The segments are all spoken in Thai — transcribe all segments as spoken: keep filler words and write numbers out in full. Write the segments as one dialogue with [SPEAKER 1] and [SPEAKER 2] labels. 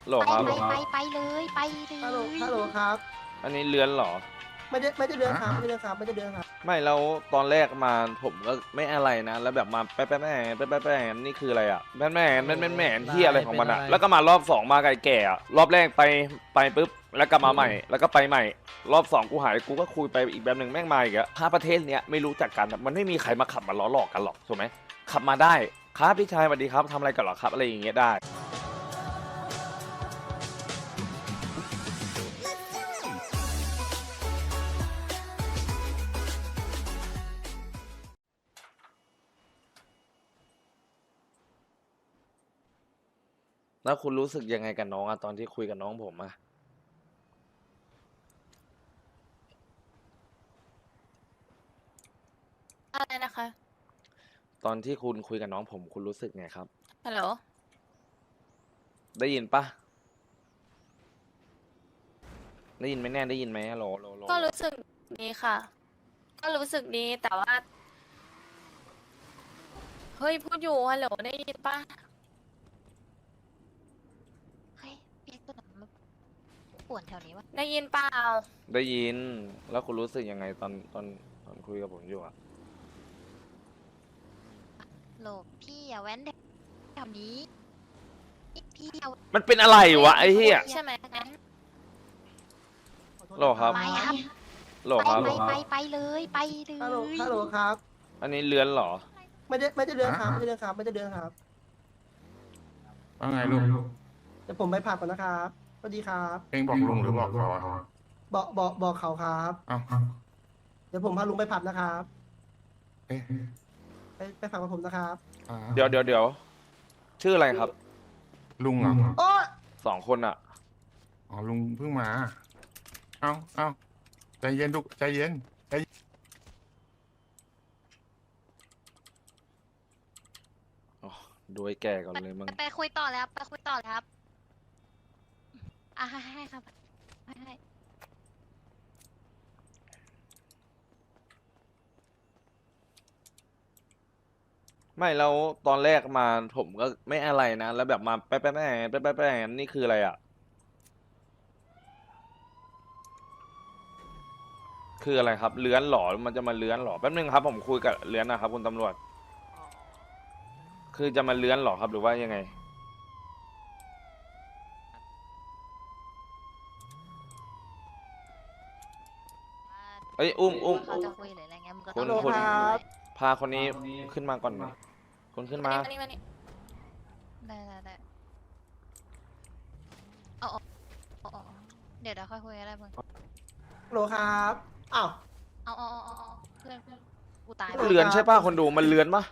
[SPEAKER 1] โหลครับ
[SPEAKER 2] ไปไปไปเลยไปเลย
[SPEAKER 3] ฮัลโหลฮัลโหลครับ
[SPEAKER 1] อันนี้เลื้อนเหรอ
[SPEAKER 3] ไม่ได้ไม่ได้เดือนครับไม่ได้เดือนครับไม่ได้เดือนครับ
[SPEAKER 1] ไม่แล้วตอนแรกมาผมก็ไม่อะไรนะ แล้วแบบมาแป๊ะแป๊ะแม่แป๊ะแป๊ะแม่นี่คืออะไรอ่ะแม่แม่แม่แม่แม่ที่อะไรของมันอ่ะแล้วก็มารอบสองมาไก่แก่อะรอบแรกไปไปปุ๊บแล้วก็มาใหม่ แล้วก็ไปใหม่ รอบสองกูหายกูก็คุยไปอีกแบบหนึ่งแม่งมาอีกอะถ้าประเทศเนี้ยไม่รู้จักกันอะมันไม่มีใครมาขับมาล้อหลอกกันหรอกถูกไหมขับมาได้ครับพี่ชายสวัสดีครับทำอะไรกันหรอครับอะไรอย่างเงี้ยได้แล้วคุณรู้สึกยังไงกับน้องอะตอนที่คุยกับน้องผมอะ
[SPEAKER 4] อะไรนะคะ
[SPEAKER 1] ตอนที่คุณคุยกับน้องผมคุณรู้สึกไงครับ
[SPEAKER 4] ฮัลโหล
[SPEAKER 1] ได้ยินปะได้ยินไหมแน่ได้ยินไหมฮัลโหลโหลโหล
[SPEAKER 4] ก็รู้สึกดีค่ะ ก็รู้สึกดีแต่ว่า เฮ้ยพูดอยู่ฮัลโหลได้ยินปะ
[SPEAKER 2] เฮ้ยพี่ตัวนั้นมันป่วนแถวนี้วะ
[SPEAKER 4] ได้ยินเปล่า
[SPEAKER 1] ได้ยินแล้วคุณรู้สึกยังไงตอนตอนตอนคุยกับผมอยู่อะ
[SPEAKER 2] โหลพี่อย่าแว้นแถวนี้พี่อย่า
[SPEAKER 1] มันเป็นอะไรวะไอ้เหี้ย
[SPEAKER 4] ใช่ไหมงั้น
[SPEAKER 1] โหลครับ
[SPEAKER 2] ไปครับ
[SPEAKER 1] โหล
[SPEAKER 2] ไป
[SPEAKER 1] ครับ
[SPEAKER 2] ไปไปไปเลยไปเล
[SPEAKER 3] ฮัลโหล
[SPEAKER 2] ย
[SPEAKER 3] ฮัลโหลครับ
[SPEAKER 1] อันนี้เลื้อนเหรอ
[SPEAKER 3] ไม่ได้ไม่ได้เดือนครับไม่ได้เดือนครับไม่ได้เดือนครับ
[SPEAKER 5] ว่าไงลุง
[SPEAKER 3] เดี๋ยวผมไปผับก่อนนะครับสวัสดีครับ
[SPEAKER 5] เองบอกลุงหรือบอกเขาอะ
[SPEAKER 3] บอกบอกบอกเขาครับ
[SPEAKER 5] เอ้า
[SPEAKER 3] เดี๋ยวผมพาลุงไปผับนะครับ
[SPEAKER 5] เอ๊ะ
[SPEAKER 3] ไปไปผับกับผมนะครับ
[SPEAKER 5] อ่า
[SPEAKER 1] เดี๋ยวเดี๋ยวเดี๋ยวชื่ออะไรครับ
[SPEAKER 5] ลุงเหรอ
[SPEAKER 3] โอ้ย
[SPEAKER 1] สองคนอะ
[SPEAKER 5] อ๋อลุงเพิ่งมา เอ้าเอ้าใจเย็นทุกใจเย็นใจเย็น
[SPEAKER 1] อ๋อดูไอ้แก่ก่อนเลยมึง
[SPEAKER 2] ไปคุยต่อแล้วไปคุยต่อแล้วครับอ่ะให้ให้ครับให้ให้
[SPEAKER 1] ไม่แล้วตอนแรกมาผมก็ไม่อะไรนะแล้วแบบมาแป๊ะแป๊ะแม่แป๊ะแป๊ะแม่นี่คืออะไรอะคืออะไรครับเลื้อนเหรอมันจะมาเลื้อนเหรอแป๊บนึงครับผมคุยกับเลื้อนนะครับคุณตำรวจ คือจะมาเลื้อนเหรอครับหรือว่ายังไง เอ้ยอุ้มอุ้ม
[SPEAKER 2] เขาจะคุยหรืออะไรเงี้ยมึงก็
[SPEAKER 1] คุ
[SPEAKER 2] ต้อ
[SPEAKER 1] ณ
[SPEAKER 2] ง
[SPEAKER 1] คุณ
[SPEAKER 3] ครับ
[SPEAKER 1] พาคนนี้ขึ้นมาก่อนหน่อยคุณขึ้นมา
[SPEAKER 4] มานี่มานี่
[SPEAKER 2] ได้ได้ได้เอาเอาเอาเอาเดี๋ยวเดี๋ยวค่อยคุยกันได้มึง
[SPEAKER 3] ฮัลโหลครับอ้าว
[SPEAKER 2] เอาเอาเอาเอาเอาเพื่อนเพื่อนกูตาย
[SPEAKER 1] เลือนใช่ป่ะคนดูมันเลือนปะ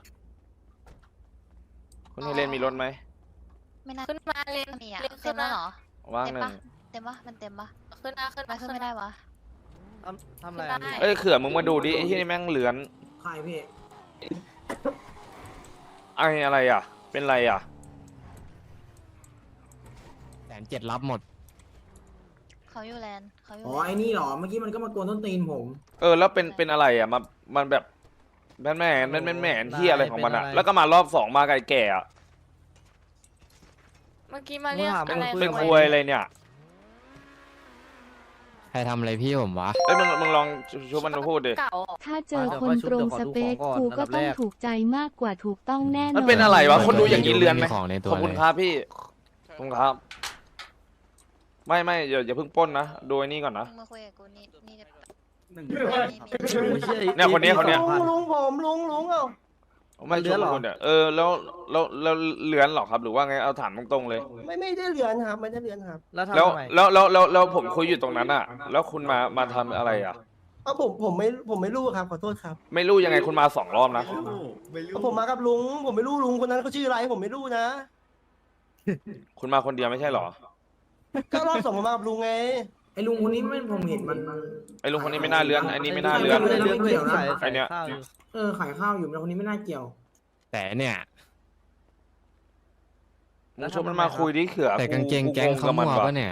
[SPEAKER 1] คุณเฮเลนมีรถไหม
[SPEAKER 2] ไม่น่า
[SPEAKER 4] ขึ้นมาเรียน
[SPEAKER 2] มีอ่ะ
[SPEAKER 4] เรียน
[SPEAKER 2] เต็
[SPEAKER 4] ขึ้
[SPEAKER 2] ม
[SPEAKER 4] น
[SPEAKER 2] แล้ว
[SPEAKER 4] มา
[SPEAKER 2] เหรอ
[SPEAKER 1] ว่าง
[SPEAKER 2] เต็ม
[SPEAKER 1] หนึ่
[SPEAKER 2] ปะ
[SPEAKER 1] ง
[SPEAKER 2] เต็มปะมันเต็มปะ
[SPEAKER 4] ขึ้นมาขึ้น
[SPEAKER 2] ไป
[SPEAKER 4] มา
[SPEAKER 2] ขึ้น
[SPEAKER 4] ขึ้น
[SPEAKER 2] ไม่ได้วะ
[SPEAKER 6] ทำทำอะไร
[SPEAKER 4] ได้
[SPEAKER 6] อะพี่
[SPEAKER 1] เอ้ยเขื่อมึงมาดูดิไอ้ที่นี่แม่งเลือน
[SPEAKER 6] ใครพี่
[SPEAKER 1] ไอ้อะไรอ่ะ เป็นไรอ่ะ
[SPEAKER 7] แสนเจ็ดรับหมด
[SPEAKER 2] เขาอยู่แลนด์เขาอยู่
[SPEAKER 6] อ๋อ
[SPEAKER 2] แลน
[SPEAKER 6] ไอ้
[SPEAKER 2] ด์
[SPEAKER 6] นี่เหรอ เมื่อกี้มันก็มากวนต้นตีนผม
[SPEAKER 1] เออแล้วเป็นเป็นอะไรอ่ะมามันแบบแม่นแม่นแม่นแม่นแม่นที่อะไรของมันอ่ะแล้วก็มารอบสองมาไก่แก่อ่ะ
[SPEAKER 4] เมื่อกี้มาเรียก
[SPEAKER 1] เป็น
[SPEAKER 4] อะไร
[SPEAKER 1] เป็น
[SPEAKER 4] ทำไม
[SPEAKER 1] ควยอะไรเนี่ย
[SPEAKER 7] ใครทำอะไรพี่ผมวะ
[SPEAKER 1] เอ้ยมึงมึงลองชุบมันมาพูดดิ
[SPEAKER 4] เก่า
[SPEAKER 8] ถ้าเจอคนตรงสเปคกูก็ต้องถูกใจมากกว่าถูกต้องแน่นอน
[SPEAKER 1] มันเป็นอะไรวะคนดูอย่างนี้เลือนไหม
[SPEAKER 7] ไม่มีของในตัว
[SPEAKER 1] ขอบคุณครับพี่ขอบคุณครับ ไม่ไม่อย่าอย่าเพิ่งปล้นนะดูไอ้นี่ก่อนนะ
[SPEAKER 2] มึงมาคุยกับกูนี่นี่จะ
[SPEAKER 6] หนึ่ง
[SPEAKER 2] นี่นี่
[SPEAKER 1] เนี่ยคนนี้คนนี้
[SPEAKER 3] ลุงลุงผมลุงลุงเอ้า
[SPEAKER 1] ไม่เลือนหรอเนี่ยเออแล้วแล้วแล้วเลือนหรอครับหรือว่าไงเอาถามตรงๆเลย
[SPEAKER 3] ไม่ไม่ได้เดือนครับไม่ได้เดือนครับ
[SPEAKER 6] แล้วทำ
[SPEAKER 1] แล้ว
[SPEAKER 6] ทำไม
[SPEAKER 1] แล้วแล้วแล้วแล้วผมคุยอยู่ตรงนั้นอ่ะ แล้วคุณมามาทำอะไรอ่ะ
[SPEAKER 3] เอาผมผมไม่ผมไม่รู้ครับขอโทษครับ
[SPEAKER 1] ไม่รู้ยังไงคุณมาสองรอบนะ
[SPEAKER 3] เอาผมมากับลุงผมไม่รู้ลุงคนนั้นเขาชื่ออะไรผมไม่รู้นะ
[SPEAKER 1] คุณมาคนเดียวไม่ใช่เหรอ
[SPEAKER 3] ก็รอบสองผมมากับลุงไง
[SPEAKER 6] ไอ้ลุงคนนี้ไม่ผมเห็นมัน
[SPEAKER 1] ไอ้ลุงคนนี้ไม่น่าเลื้อนอันนี้ไม่น่าเลื้อน
[SPEAKER 6] ไม่ได้เรื่องเกี่ยวนะ
[SPEAKER 1] ไอ้เนี่ย
[SPEAKER 6] เออขายข้าวอยู่แต่คนนี้ไม่น่าเกี่ยว
[SPEAKER 7] แต่เนี่ย
[SPEAKER 1] มึงชวนมันมาคุยดิเขื่อ
[SPEAKER 7] แต่กางเกงแก๊งเขา
[SPEAKER 1] กับ
[SPEAKER 7] มัว
[SPEAKER 1] ว่ะ
[SPEAKER 7] ปะเนี่ย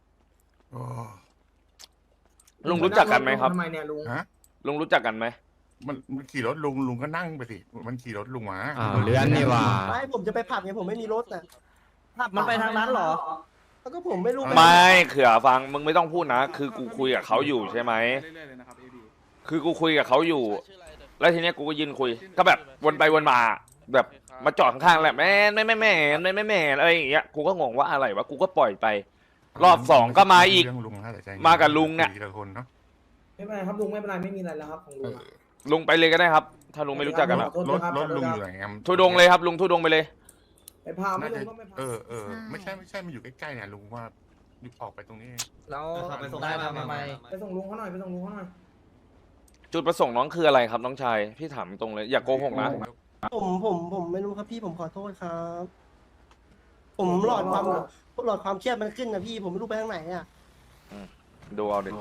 [SPEAKER 5] โอ้
[SPEAKER 1] ลุงรู้จักกันไหมครับ
[SPEAKER 6] ทำไมเนี่ยลุง
[SPEAKER 5] ฮะ
[SPEAKER 1] ลุงรู้จักกันไหม
[SPEAKER 5] มันมันขี่รถลุงลุงก็นั่งไปสิมันขี่รถลุงมา
[SPEAKER 7] อ้าวเลื่อนนี่หว่า
[SPEAKER 3] ไม่ผมจะไปผับไงผมไม่มีรถน่ะ
[SPEAKER 6] ผับมันไปทางนั้นเหรอ
[SPEAKER 3] แล้วก็ผมไม่รู้
[SPEAKER 1] ไม่เขื่อฟังมึงไม่ต้องพูดนะ คือกูคุยกับเขาอยู่ใช่ไหมคือกูคุยกับเขาอยู่ แล้วทีเนี้ยกูก็ยืนคุย ก็แบบวนไปวนมา แบบมาจอดข้างๆแหละแม่ไม่ไม่แม่ไม่ไม่แม่อะไรอย่างเงี้ยกูก็งงว่าอะไรวะกูก็ปล่อยไป รอบสองก็มาอีก
[SPEAKER 5] เรื่องลุงนะแต่ใจเย็น
[SPEAKER 1] มากับลุงเนี่ย
[SPEAKER 5] คุทีละคนเนาะ
[SPEAKER 6] ไม่เป็นไรครับลุงไม่เป็นไรไม่มีอะไรแล้วครับของลุงอะ
[SPEAKER 1] ลุงไปเลยก็ได้ครับ ถ้าลุงไม่รู้จักกันอะ
[SPEAKER 6] ขอโทษ
[SPEAKER 5] รถ
[SPEAKER 6] ครับ
[SPEAKER 5] รถ
[SPEAKER 6] ขอโทษ
[SPEAKER 5] ลุง
[SPEAKER 6] ครับ
[SPEAKER 5] อยู่ไหนครับ
[SPEAKER 1] ทุดงเลยครับลุงทุดงไปเลย
[SPEAKER 6] ไปพาไม่
[SPEAKER 5] น่า
[SPEAKER 6] ลุ
[SPEAKER 5] จะ
[SPEAKER 6] งก็ไม่พา
[SPEAKER 5] เออเออไม่ใช่ไม่ใช่มันอยู่ใกล้ๆเนี่ยลุงว่าออกไปตรงนี้
[SPEAKER 6] แล้ว
[SPEAKER 9] ไปส่งได้มาไหม
[SPEAKER 6] ไปส่งลุงเขาหน่อยไปส่งลุงเขาหน่อย
[SPEAKER 1] จุดประสงค์น้องคืออะไรครับน้องชายพี่ถามตรงเลยอย่าโกหกนะ
[SPEAKER 3] ผมผมผมไม่รู้ครับพี่ผมขอโทษครับ ผมหลอดความหลอดความเครียดมันขึ้นนะพี่ผมไม่รู้ไปทางไหนอ่ะ
[SPEAKER 1] ดูเอาดิ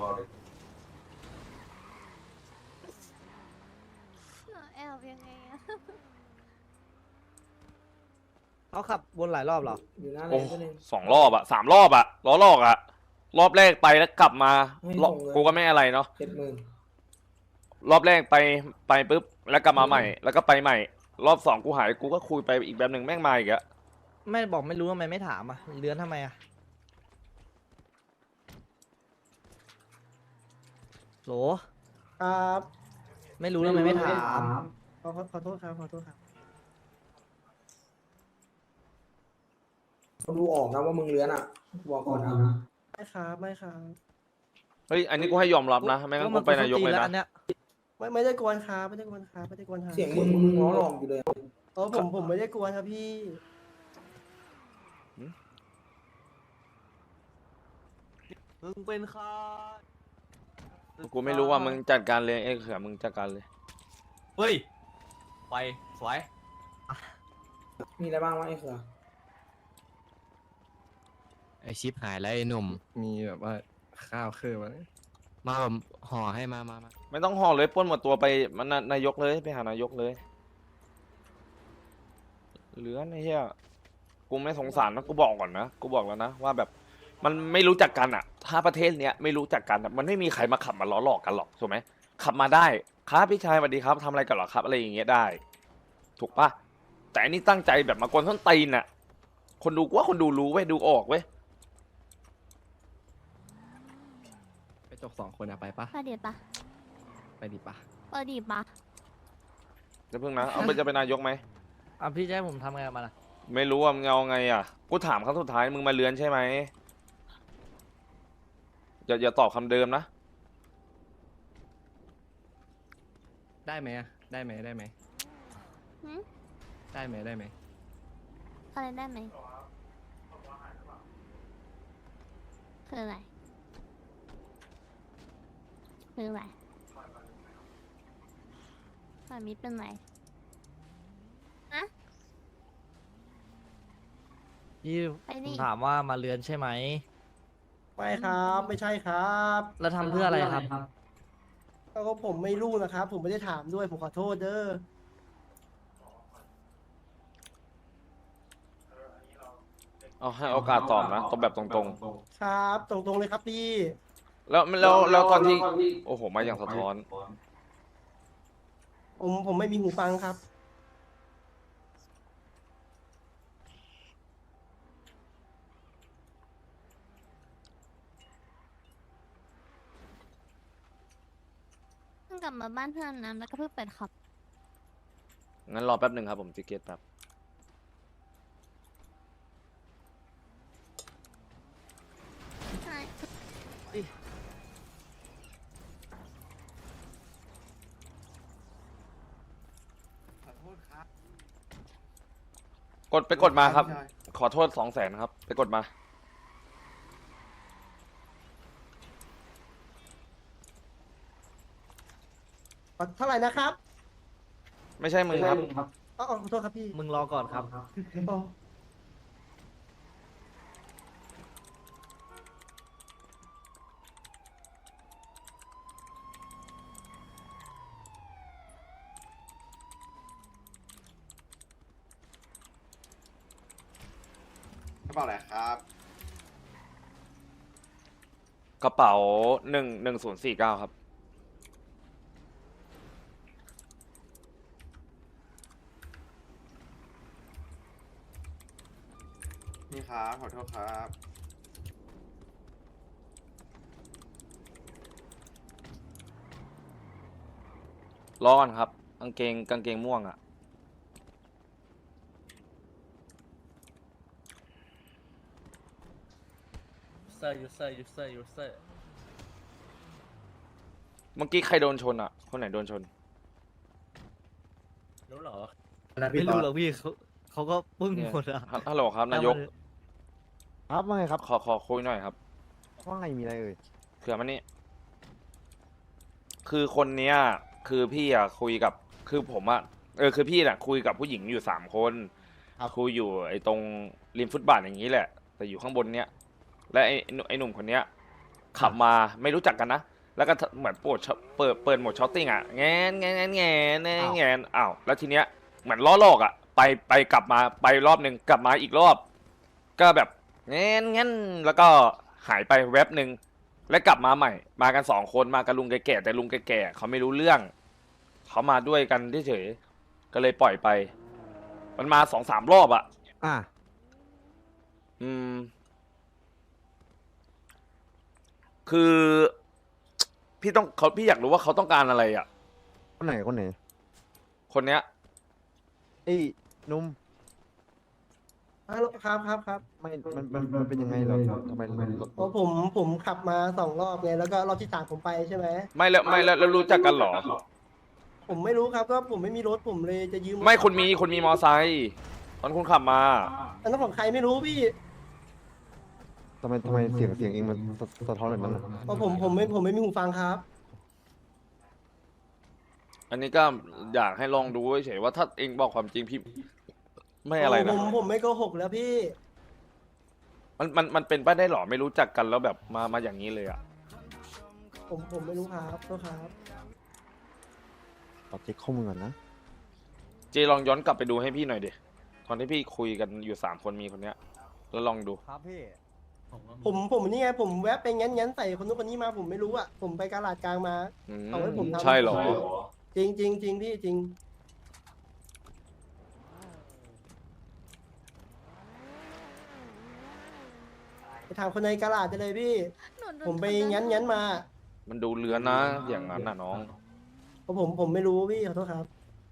[SPEAKER 4] แอบยังไงอะ
[SPEAKER 9] เขาขับวนหลายรอบเหรอ
[SPEAKER 6] อยู่หน้าเล
[SPEAKER 1] โอ้
[SPEAKER 6] นตัวหนึง
[SPEAKER 1] สองรอบอะสามรอบอะล้อลอกอะรอบแรกไปแล้วกลับมา
[SPEAKER 6] ไม่
[SPEAKER 1] รอบ
[SPEAKER 6] ส่งเลย
[SPEAKER 1] กูก็ไม่อะไรเนาะ
[SPEAKER 6] เจ็ดหมื่น
[SPEAKER 1] รอบแรกไปไปปุ๊บแล้วกลับมาใหม่ แล้วก็ไปใหม่ รอบสองกูหายกูก็คุยไปอีกแบบหนึ่งแม่งมาอีกอะ
[SPEAKER 9] ไม่บอกไม่รู้ทำไมไม่ถามอ่ะเลื้อนทำไมอ่ะโหล
[SPEAKER 3] ครับ
[SPEAKER 9] ไม่รู้ทำไมไม่ถาม
[SPEAKER 3] ขอขอขอโทษครับขอโทษครับ
[SPEAKER 6] เขาดูออกนะว่ามึงเลื้อนอ่ะบอกก่อนนะ
[SPEAKER 3] ไม่ครับไม่ครับ
[SPEAKER 1] เฮ้ยอันนี้กูให้ยอมรับนะไม่งั้นกูไปนายกเลย
[SPEAKER 9] แล้ว
[SPEAKER 1] นะ
[SPEAKER 9] อันเนี้ย
[SPEAKER 3] ไม่ไม่ได้กวนครับไม่ได้กวนครับไม่ได้กวนครับ
[SPEAKER 6] เสียงมึงมึงล้อหลอกอยู่เลย
[SPEAKER 3] เออผมผมไม่ได้กวนครับพี่
[SPEAKER 9] มึงเป็นใคร
[SPEAKER 1] กูไม่รู้ว่ามึงจัดการเลยเอ้ยเขื่อมึงจัดการเลย
[SPEAKER 9] เฮ้ยไปสวย
[SPEAKER 6] มีอะไรบ้างวะไอ้เขือ
[SPEAKER 7] ไอชิปหายแล้วไอหนุ่ม
[SPEAKER 10] มีแบบว่าข้าวคือมัน
[SPEAKER 7] มาแบบห่อให้มามามา
[SPEAKER 1] ไม่ต้องห่อเลยปล้นหมดตัวไปมันนายกเลยไปหานายกเลยเหลือไอ้เหี้ยกูไม่สงสารนะกูบอกก่อนนะกูบอกแล้วนะว่าแบบมันไม่รู้จักกันอ่ะ ถ้าประเทศเนี้ยไม่รู้จักกันอะมันไม่มีใครมาขับมาล้อหลอกกันหรอกถูกไหมขับมาได้ครับพี่ชายสวัสดีครับทำอะไรกันเหรอครับอะไรอย่างเงี้ยได้ ถูกปะแต่อันนี้ตั้งใจแบบมากวนส้นตีนอ่ะ คนดูกูว่าคนดูรู้เว้ยดูออกเว้ย
[SPEAKER 10] ไปจกสองคนอะไปปะ
[SPEAKER 4] ไปเดี๋ยวปะ
[SPEAKER 10] ไปดิปะ
[SPEAKER 4] เออดีปะ
[SPEAKER 1] จะเพิ่งนะเอาไปจะเป็นนายกไหม
[SPEAKER 9] อ่ะพี่จะให้ผมทำไงกับมันอ่ะ
[SPEAKER 1] ไม่รู้ว่ามึงเอาไงอ่ะกูถามครั้งสุดท้ายมึงมาเลือนใช่ไหมอย่าอย่าตอบคำเดิมนะ
[SPEAKER 10] ได้ไหมอะได้ไหมได้ไหม
[SPEAKER 4] หืม
[SPEAKER 10] ได้ไหมได้ไหม
[SPEAKER 4] อะไรได้ไหมคืออะไรคืออะไรแบบนี้เป็นไรอะ
[SPEAKER 9] พี่
[SPEAKER 4] ไป
[SPEAKER 9] ผ
[SPEAKER 4] ดิ
[SPEAKER 9] มถามว่ามาเลื้อนใช่ไหม
[SPEAKER 3] ไม่ครับไม่ใช่ครับ
[SPEAKER 9] แล้วทำเพื่ออะไรครับ
[SPEAKER 3] ก็ผมไม่รู้นะครับ ผมไม่ได้ถามด้วยผมขอโทษเด้อ
[SPEAKER 1] เอาให้โอกาสตอบนะตอบแบบตรง
[SPEAKER 3] ครับ ตรงๆเลยครับพี่
[SPEAKER 1] ๆ แล้วแล้วแล้วตอนที่โอ้โหมาอย่างสะท้อน
[SPEAKER 3] ผมผมไม่มีหูฟังครับ
[SPEAKER 4] เพิ่งกลับมาบ้านเพื่อนนะแล้วก็เพิ่งเปิดขับ
[SPEAKER 1] งั้นรอแป๊บหนึ่งครับผมติเกตแป๊บ
[SPEAKER 4] ใช่
[SPEAKER 1] กดไปกดมาครับ ขอโทษสองแสนครับ ไปกดมา
[SPEAKER 3] เท่าไหร่นะครับ
[SPEAKER 1] ไม่ใช่มึงครับ
[SPEAKER 3] อ๋อขอโทษครับพี่
[SPEAKER 9] มึงรอก่อนครับ
[SPEAKER 3] อ๋อ
[SPEAKER 10] กระเป๋าอะไรครับ
[SPEAKER 1] กระเป๋าหนึ่งหนึ่งศูนย์สี่เก้าครับ
[SPEAKER 10] นี่ครับขอโทษครับ
[SPEAKER 1] ร้อนครับกางเกงกางเกงม่วงอ่ะ
[SPEAKER 9] เซอร์ยูเซอร์ยูเซอร์ยูเซอร์
[SPEAKER 1] เมื่อกี้ใครโดนชนอ่ะ คนไหนโดนชน
[SPEAKER 9] รู้เหรอไม่รู้หรอกพี่เขาเขาก็ปึ้ง
[SPEAKER 1] เนี่ย
[SPEAKER 9] หมดอะ
[SPEAKER 1] ฮัลฮัลโหลครับนายก
[SPEAKER 11] ครับว่าไงครับ
[SPEAKER 1] ขอขอคุยหน่อยครับ
[SPEAKER 11] ว่าไงมีอะไรเอ่ย
[SPEAKER 1] เผื่อมันนี่คือคนเนี้ย คือพี่อ่ะคุยกับ คือผมอ่ะ เออคือพี่น่ะคุยกับผู้หญิงอยู่สามคนคุยอยู่ไอ้ตรงริมฟุตบาทอย่างนี้แหละ แต่อยู่ข้างบนเนี้ย และไอ้หนุ่มไอ้หนุ่มคนเนี้ย ขับมาไม่รู้จักกันนะ แล้วก็เหมือนเปิดเปิดเปิดโหมดช็อตติ้งอ่ะแงนแงนแงนแงนแงนแงนอ้าวแล้วทีเนี้ยเหมือนล้อลอกอ่ะ ไปไปกลับมาไปรอบหนึ่งกลับมาอีกรอบ ก็แบบแงนแงนแล้วก็หายไปแวบหนึ่งแล้วกลับมาใหม่ มากันสองคนมากับลุงแก่ๆแต่ลุงแก่ๆเขาไม่รู้เรื่องเขามาด้วยกันเฉยๆก็เลยปล่อยไป มันมาสองสามรอบอ่ะ
[SPEAKER 11] อ่ะ
[SPEAKER 1] อืม คือ พี่ต้องเขาพี่อยากรู้ว่าเขาต้องการอะไรอ่ะ
[SPEAKER 11] คนไหนคนไหน
[SPEAKER 1] คนเนี้ย
[SPEAKER 11] เอ้ยหนุ่ม
[SPEAKER 3] ฮัลโหลครับครับครับ
[SPEAKER 11] ไม่มันมันมันเป็นยังไงเหรอทำไมมัน
[SPEAKER 3] เพราะผมผมขับมาสองรอบไงแล้วก็รอบที่สามผมไปใช่ไหม
[SPEAKER 1] ไม่แล้วไม่แล้วแล้วรู้จักกันเหรอ
[SPEAKER 3] ผมไม่รู้ครับก็ผมไม่มีรถผมเลยจะยืม
[SPEAKER 1] ไม่คุณมีคุณมีมอไซค์ตอนคุณขับมา
[SPEAKER 3] อันนั้นของใครไม่รู้พี่
[SPEAKER 11] ทำไมทำไมเสียงเสียงเองมันสะสะท้อนแบบนั้นน่ะ
[SPEAKER 3] เพราะผมผมไม่ผมไม่มีหูฟังครับ
[SPEAKER 1] อันนี้ก็อยากให้ลองดูเฉยๆว่าถ้าเองบอกความจริงพี่ ไม่อะไร
[SPEAKER 3] ผ
[SPEAKER 1] นะ
[SPEAKER 3] มผมไม่โกหกแล้วพี่
[SPEAKER 1] มันมันมันเป็นไปได้หรอไม่รู้จักกันแล้วแบบมามาอย่างนี้เลยอ่ะ
[SPEAKER 3] ผมผมไม่รู้ครับก็ครับ
[SPEAKER 11] ตอบเช็คข้อมูลก่อนนะ
[SPEAKER 1] เจลองย้อนกลับไปดูให้พี่หน่อยดิตอนที่พี่คุยกันอยู่สามคนมีคนเนี้ย แล้วลองดู
[SPEAKER 11] ครับพี่
[SPEAKER 3] ผมผมนี่ไงผมแวะไปงั้นงั้นใส่คนนู้นคนนี้มาผมไม่รู้อ่ะผมไปกาลาดกลางมา
[SPEAKER 1] อืม
[SPEAKER 3] เอาไว้ผมทำ
[SPEAKER 1] ใช่เหรอ
[SPEAKER 3] จริงจริงจริงพี่จริงไปถามคนในกาลาดได้เลยพี่
[SPEAKER 2] หนูโด
[SPEAKER 3] ผมไป
[SPEAKER 2] ทำร้าย
[SPEAKER 3] งั้นงั้นมา
[SPEAKER 1] มันดูเลือนนะ อย่างนั้นน่ะน้อง
[SPEAKER 3] เพราะผมผมไม่รู้พี่ขอโทษครับ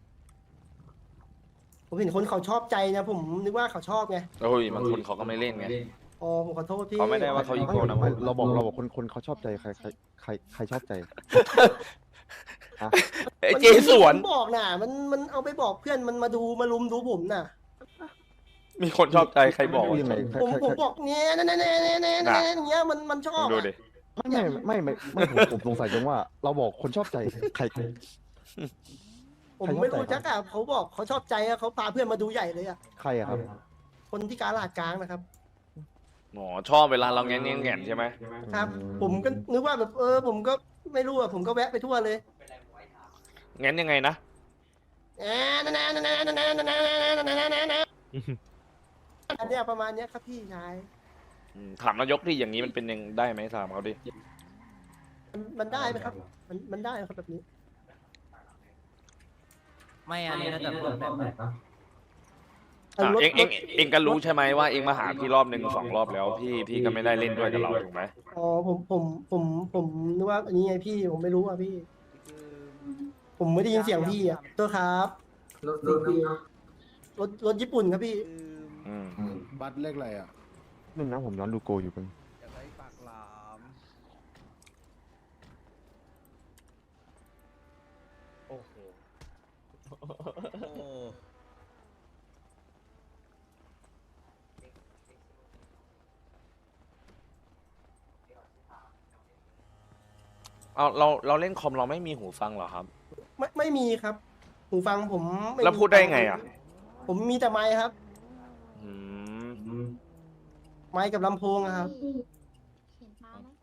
[SPEAKER 3] ผมเห็นคนเขาชอบใจนะผมนึกว่าเขาชอบไง
[SPEAKER 1] โอ้ยบางคนเขาก็ไม่เล่นไง
[SPEAKER 3] อ๋อผมขอโทษพี่
[SPEAKER 1] เขาไม่ได้ว่าเขาอีโก้นะ
[SPEAKER 11] ไม่เราบอกเราบอกคนคนเขาชอบใจใครใครใครใครชอบใจอ่ะ
[SPEAKER 1] เอ้ยเจสวน
[SPEAKER 3] มันบอกน่ะ มันมันเอาไปบอกเพื่อนมันมาดูมาลุมดูผมน่ะ
[SPEAKER 1] มีคนชอบใจใครบอก
[SPEAKER 11] พูดยังไงใคร
[SPEAKER 3] ผม
[SPEAKER 11] ใคร
[SPEAKER 3] ผม
[SPEAKER 11] ใคร
[SPEAKER 3] บอกเนี้ยเนี้ยเนี้ยเนี้ยเนี้ยเนี้ยเนี้ยมันมันชอบ
[SPEAKER 1] ดู
[SPEAKER 3] อะ
[SPEAKER 1] ดิ
[SPEAKER 11] ไม่ไม่ไม่ไม่ไม่ผมผมสงสัยจังว่า เราบอกคนชอบใจใคร
[SPEAKER 3] ผมไม่รู้จักอะเขาบอกเขาชอบใจอะเขาพาเพื่อนมาดูใหญ่เลยอะ
[SPEAKER 11] ใครอะครับ
[SPEAKER 3] คนที่กาลาดกลางนะครับ
[SPEAKER 1] หมอชอบเวลาเราแงนแงนแงนใช่ไหม
[SPEAKER 3] ครับ ผมก็นึกว่าแบบเออ ผมก็ไม่รู้อะผมก็แวะไปทั่วเลย
[SPEAKER 1] แงนยังไงนะ
[SPEAKER 3] แอะนั่นนั่นนั่นนั่นนั่นนั่นนั่นนั่นนั่นนั่นอันเนี้ยประมาณเนี้ยครับพี่ชาย
[SPEAKER 1] อืมถามนายกที่อย่างนี้มันเป็นยังได้ไหมถามเขาดิ
[SPEAKER 3] มันมันได้ไหมครับ มันมันได้ไหมครับแบบนี้
[SPEAKER 9] ไม่อันนี้น่าจะเพิ่มแบบ
[SPEAKER 1] อ่ะเองเองเองก็รู้ใช่ไหมว่าเองมาหาพี่รอบหนึ่งสองรอบแล้ว พี่พี่ก็ไม่ได้เล่นด้วยกับเราถูกไหม
[SPEAKER 3] อ๋อผมผมผมผมนึกว่าอันนี้ไงพี่ผมไม่รู้อ่ะพี่ ผมไม่ได้ยินเสียงพี่อ่ะตัวครับ
[SPEAKER 6] รถรถน้ำ
[SPEAKER 3] รถรถญี่ปุ่นครับพี่
[SPEAKER 1] อืม
[SPEAKER 5] บัตรเลขอะไรอ่ะ
[SPEAKER 11] หนึ่งนะผมย้อนดูโกอยู่กัน
[SPEAKER 9] อยากได้ปากหลาม โอ้โห
[SPEAKER 1] เอาเราเราเล่นคอมเราไม่มีหูฟังเหรอครับ
[SPEAKER 3] ไม่ไม่มีครับ หูฟังผมม่มี
[SPEAKER 1] แล้วพูดได้ไงอ่ะ
[SPEAKER 3] ผมมีแต่ไมค์ครับ
[SPEAKER 1] อืม
[SPEAKER 3] ไมค์กับลำโพงอะครับ
[SPEAKER 2] เห็นป้าไหม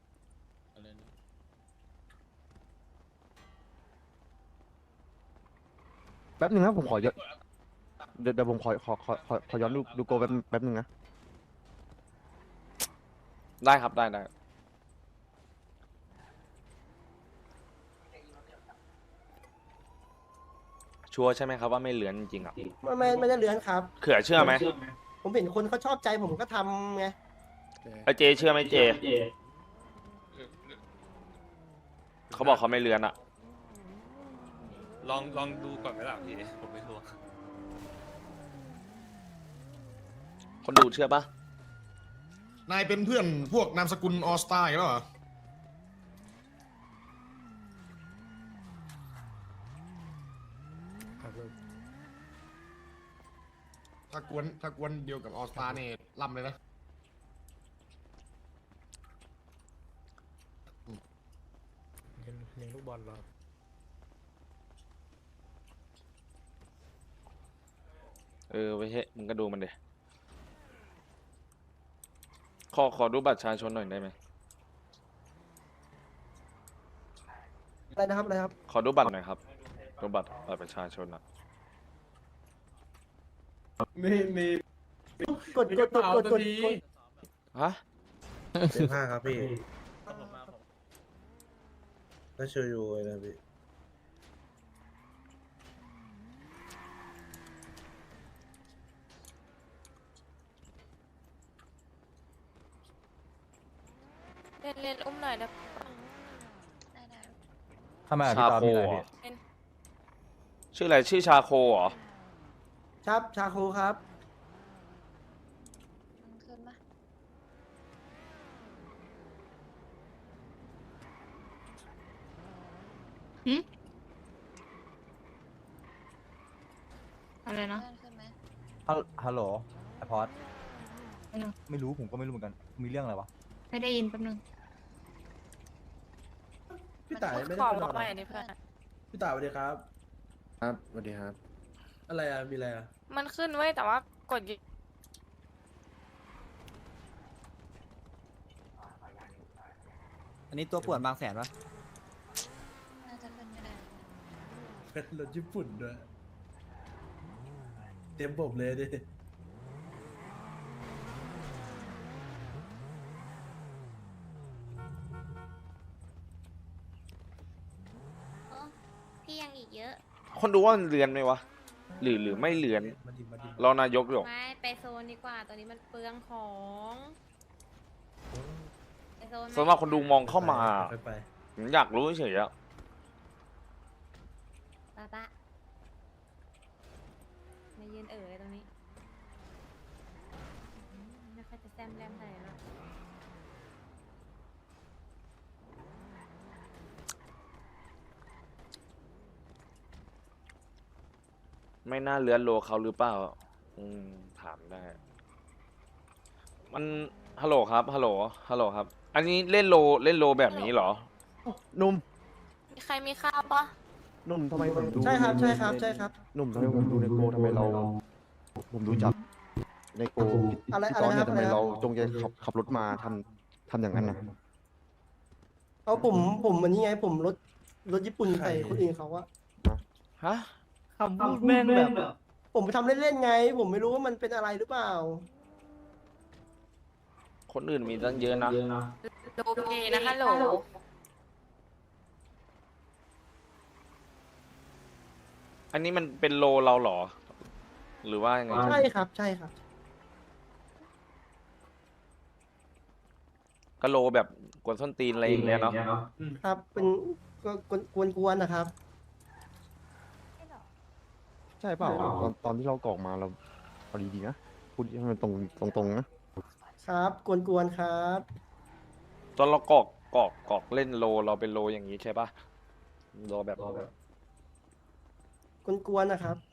[SPEAKER 11] แป๊บหนึงนะผมขอย้อนเดี๋ยวเดี๋ยวผมขอขอขอขอขอย้อนดูดูโกแป๊บแป๊บหนึงนะ
[SPEAKER 1] ได้ครับได้ได้ชัวร์ใช่ไหมครับว่าไม่เลือนจริงๆอ่ะ
[SPEAKER 3] ไม่ไม่ไม่ได้เลือนครับ
[SPEAKER 1] เขื่อเชื่อไหม
[SPEAKER 3] ผมเห็นคนเขาชอบใจผมก็ทำไง
[SPEAKER 1] ไอเจเชื่อไหมเจเขาบอกเขาไม่เลือนอะ
[SPEAKER 12] ลองลองดูก่อนไหมล่ะพี่ผมไม่รู้
[SPEAKER 1] คนดูเชื่อปะ
[SPEAKER 12] นายเป็นเพื่อนพวกนามสกุลออสตาร์แล้วเหรอถ้ากวนถ้ากวนเดียวกับออสตาเนี่ยล่ำเลยนะ
[SPEAKER 9] เลี้ยงลูกบอลเหรอ
[SPEAKER 1] เออไปเฮ้ยมึงก็ดูมันเดขอขอดูบัตรประชาชนหน่อยได้ไหม
[SPEAKER 3] อะไรนะครับอะไรครับ
[SPEAKER 1] ขอดูบัตรหน่อยครับดูบัตรบัตรประชาชนอะ
[SPEAKER 10] มีมี
[SPEAKER 3] กดกดกดกดกดกด
[SPEAKER 1] ฮะ
[SPEAKER 10] สิบห้าครับพี่ก็ช่วยอยู่นะพี่
[SPEAKER 4] เรียนเรียนอุ้มหน่อยได้ปะ
[SPEAKER 2] ได้ได้
[SPEAKER 11] ทำไมอ่ะ
[SPEAKER 1] ชา
[SPEAKER 11] พี่ตอน
[SPEAKER 1] โค
[SPEAKER 11] มีอะไร
[SPEAKER 1] เหร
[SPEAKER 11] พี่
[SPEAKER 1] อชื่ออะไรชื่อชาโคเหรอ
[SPEAKER 3] ครับชาโคครับ
[SPEAKER 2] มันขึ้นปะ
[SPEAKER 4] อะไรนะ
[SPEAKER 2] เลื่อนขึ้นไหม
[SPEAKER 11] ฮัลฮัลโหลไอพอดไม่รู้ผมก็ไม่รู้เหมือนกัน มีเรื่องอะไรวะ
[SPEAKER 4] ไม่ได้ยินแป๊บนึง
[SPEAKER 10] พี่ต่ายไม่
[SPEAKER 4] ข
[SPEAKER 10] ได้
[SPEAKER 4] อ
[SPEAKER 10] เป็น
[SPEAKER 4] มา
[SPEAKER 10] อะ
[SPEAKER 4] ให
[SPEAKER 10] ไร
[SPEAKER 4] ม่ดิเพื่อน
[SPEAKER 10] พี่ต่ายสวัสดีครับครับสวัสดีครับ อะไรอ่ะมีอะไรอ่ะ
[SPEAKER 4] มันขึ้นไว้ยแต่ว่ากดยิ
[SPEAKER 9] อันนี้ตัวป่วนบางแสนปะ
[SPEAKER 2] น่าจะขึ้นไม่ได้
[SPEAKER 10] เป็นรถญี่ปุ่นด้วยเต็มผมเลยดิ
[SPEAKER 2] พี่ยังอีกเยอะ
[SPEAKER 1] คนดูว่ามันเลือนไหมวะหรือหรือไม่เลือน
[SPEAKER 10] มาดิมาดิ
[SPEAKER 1] รอนายกหรอก
[SPEAKER 2] ไม่ไปโซนดีกว่าตอนนี้มันเปลืองของไปโซนไหม
[SPEAKER 1] สำหรับคนดูมองเข้ามา
[SPEAKER 10] ไปไป
[SPEAKER 1] ผมอยากรู้เฉยๆอะ
[SPEAKER 2] ป้าป้ามายืนเอ๋ยตรงนี้ไม่ค่อยจะแซมแรมเท่าไหร่หรอก
[SPEAKER 1] ไม่น่าเลือนโลเขาหรือเปล่าอืมถามได้ มันฮัลโหลครับฮัลโหลฮัลโหลครับ อันนี้เล่นโลเล่นโลแบบนี้เหรอ
[SPEAKER 11] หนุ่ม
[SPEAKER 4] มีใครมีข้าวปะ
[SPEAKER 11] หนุ่มทำไมผมดู
[SPEAKER 3] ใช่ครับใช่ครับใช่ครับ
[SPEAKER 11] หนุ่มทำไมผมดูในโกทำไมเรา ผมดูจากในโก
[SPEAKER 3] อะไร
[SPEAKER 11] พี่
[SPEAKER 3] อะไร
[SPEAKER 11] ตอน
[SPEAKER 3] นะ
[SPEAKER 11] เนี่
[SPEAKER 3] ครับอะไรนะ
[SPEAKER 11] ยทำไมเราจงใจขับขับรถมาทำทำอย่างนั้นนะ
[SPEAKER 3] เอาผมผมอันนี้ไงผมรถรถญี่ปุ่นใส่คนอื่นเขาอะ
[SPEAKER 1] ฮะ
[SPEAKER 9] คำพูดแม่งแบบ
[SPEAKER 3] ผมไปทำเล่นๆไง ผมไม่รู้ว่ามันเป็นอะไรหรือเปล่า
[SPEAKER 1] คนอื่นมีตั้งเยอะนะ
[SPEAKER 4] โอเคนะฮัลโหล
[SPEAKER 1] อันนี้มันเป็นโลเราเหรอ หรือว่ายังไง
[SPEAKER 3] ใช่ครับใช่ครับ
[SPEAKER 1] ก็โลแบบกวนส้นตีนอะไรอย่างเงี้ยเนาะ
[SPEAKER 3] ครับเป็นก็กวนกวนๆนะครับ
[SPEAKER 11] ใช่เปล่าตอนตอนที่เรากรอกมาเราเอาดีๆนะพูดให้มันตรงตรงๆนะครับ
[SPEAKER 3] กวนกวนๆครับ
[SPEAKER 1] ตอนเรากรอกกรอกกรอกเล่นโลเราเป็นโลอย่างนี้ใช่ปะโลแบบ
[SPEAKER 3] กวนกวนๆนะครับ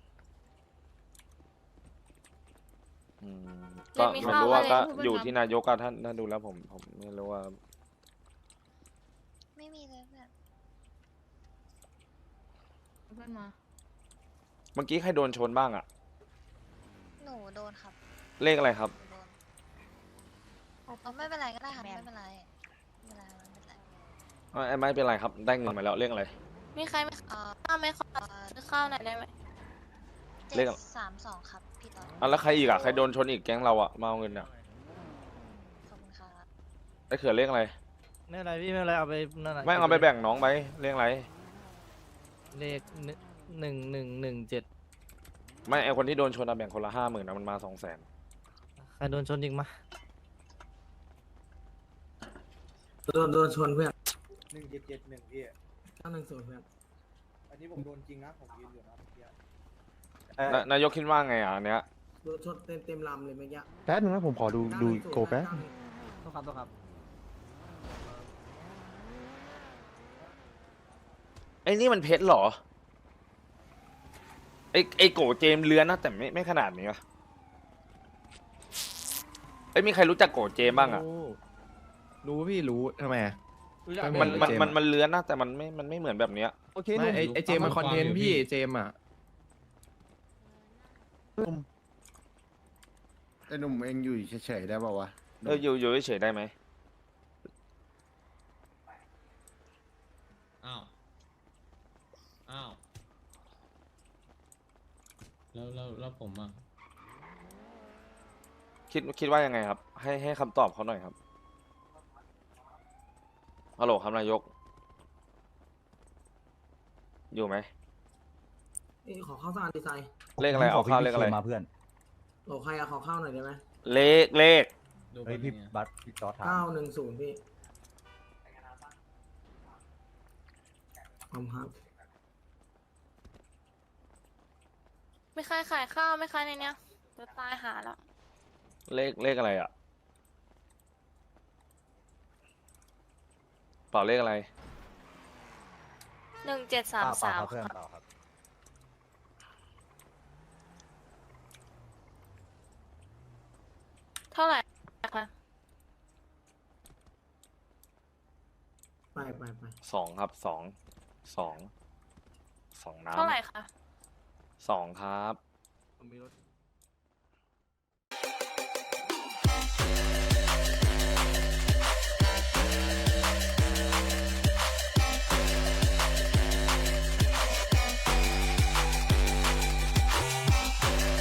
[SPEAKER 1] อืมก็
[SPEAKER 4] มี
[SPEAKER 1] ไม่
[SPEAKER 4] ข้าว
[SPEAKER 1] รู้ว่า
[SPEAKER 4] อะไร
[SPEAKER 1] ก็
[SPEAKER 4] พูดไป
[SPEAKER 1] อยู่
[SPEAKER 4] ครับ
[SPEAKER 1] ที่นายกอะท่านท่านดูแล้วผมผมไม่รู้ว่า
[SPEAKER 2] ไม่มีเลยแบบ
[SPEAKER 4] เพื่อนมา
[SPEAKER 1] เมื่อกี้ใครโดนชนบ้างอะ
[SPEAKER 2] หนูโดนครับ
[SPEAKER 1] เลขอะไรครับ
[SPEAKER 2] หนูโดนเอาไม่เป็นไรก็ได้ครับไม่เป็นไรไม่เป็นไรไม่เป็นไร
[SPEAKER 1] อ่ะไม่เป็นไรครับได้เงินมาแล้วเลขอะไร
[SPEAKER 4] มีใครมี
[SPEAKER 2] เอ่อ
[SPEAKER 4] ข้าวไหมขอซื้อข้าวหน่อยได้ไหม
[SPEAKER 2] เจ็
[SPEAKER 1] เล
[SPEAKER 2] ด
[SPEAKER 1] ขอะไร
[SPEAKER 2] สามสองครับพี่ต่อ
[SPEAKER 1] อ่ะแล้วใครอีกอะใครโดนชนอีกแก๊งเราอะมาเอาเงินอะ
[SPEAKER 2] ขอบคุณครับ
[SPEAKER 1] ไอ้เขื่อเลขอะไร
[SPEAKER 9] ไม่เป็นไรพี่ไม่เป็นไรเอาไปนั่นน่ะ
[SPEAKER 1] ไม่เอาไปแบ่งน้องไปเลขอะไร
[SPEAKER 9] เลขหนึ่งหนึ่งหนึ่งเจ็ด
[SPEAKER 1] ไม่ไอคนที่โดนชนอะแบ่งคนละห้าหมื่นนะมันมาสองแสน
[SPEAKER 9] ใครโดนชนยิงมา
[SPEAKER 10] โดนโดนชนเพื่อน
[SPEAKER 6] หนึ่งเจ็ดเจ็ดหนึ่งพี่
[SPEAKER 10] เก้าหนึ่งศูนย์เพื่อน
[SPEAKER 6] อันนี้ผมโดนจริงนะผมยืนอยู่นะเมื่อกี้
[SPEAKER 1] นานายกคิดว่าไงอ่ะอันเนี้ย
[SPEAKER 10] โดนชนเต็มเต็มลำเลยเมื่อกี้
[SPEAKER 11] แป๊บนึงนะผมขอดูดูโกแป๊บ
[SPEAKER 9] ต้องครับต้องครับ
[SPEAKER 1] ไอ้นี่มันเพชรเหรอไอ้ไอ้โกเจมส์เลือนนะแต่ไม่ไม่ขนาดนี้วะไอ้ยมีใครรู้จักโกเจมส์บ้างอ่ะ
[SPEAKER 7] รู้พี่รู้ทำไม
[SPEAKER 1] มันมันมันมันเลือนนะแต่มันไม่มันไม่เหมือนแบบเนี้ย
[SPEAKER 11] โอเค
[SPEAKER 7] ไม่ไอไอเจมมันคอนเทนต์พี่เจมอ่ะ
[SPEAKER 11] ไอ้หนุ่มเองอยู่เฉยๆได้ป่าวะ
[SPEAKER 1] เอออยู่อยู่เฉยๆได้ไหม
[SPEAKER 7] อ้าวอ้าวแล้วแล้วแล้วผมอ่ะ
[SPEAKER 1] คิดคิดว่ายังไงครับ ให้ให้คำตอบเขาหน่อยครับฮัลโหลครับนายก อยู่ไหม
[SPEAKER 10] นี่ขอข้าวสารดีไซน์
[SPEAKER 1] เลขอะไรเอาข้าวเลขอะไร
[SPEAKER 6] มาเพื่อน
[SPEAKER 10] โอ้ใครอะขอข้าวหน่อยได้ไหม
[SPEAKER 1] เลขเลข
[SPEAKER 6] เฮ้ยพี่บัตรพี่จอถาม
[SPEAKER 10] เก้าหนึ่งศูนย์พี่ขอบคุณครับ
[SPEAKER 4] ไม่ใครขายข้าวไม่ใครในเนี้ยจะตายหาแล้ว
[SPEAKER 1] เลขเลขอะไรอ่ะเปล่าเลขอะไร
[SPEAKER 4] หนึ่งเจ็ดสามสาม
[SPEAKER 6] เพื่อนเปล่าครับ
[SPEAKER 4] เท่าไหร่คะ
[SPEAKER 10] ไปไปไป
[SPEAKER 1] สองครับสองสองสองน้ำ
[SPEAKER 4] เท่าไหร่คะ
[SPEAKER 1] สองครับ
[SPEAKER 5] ผมมีรถ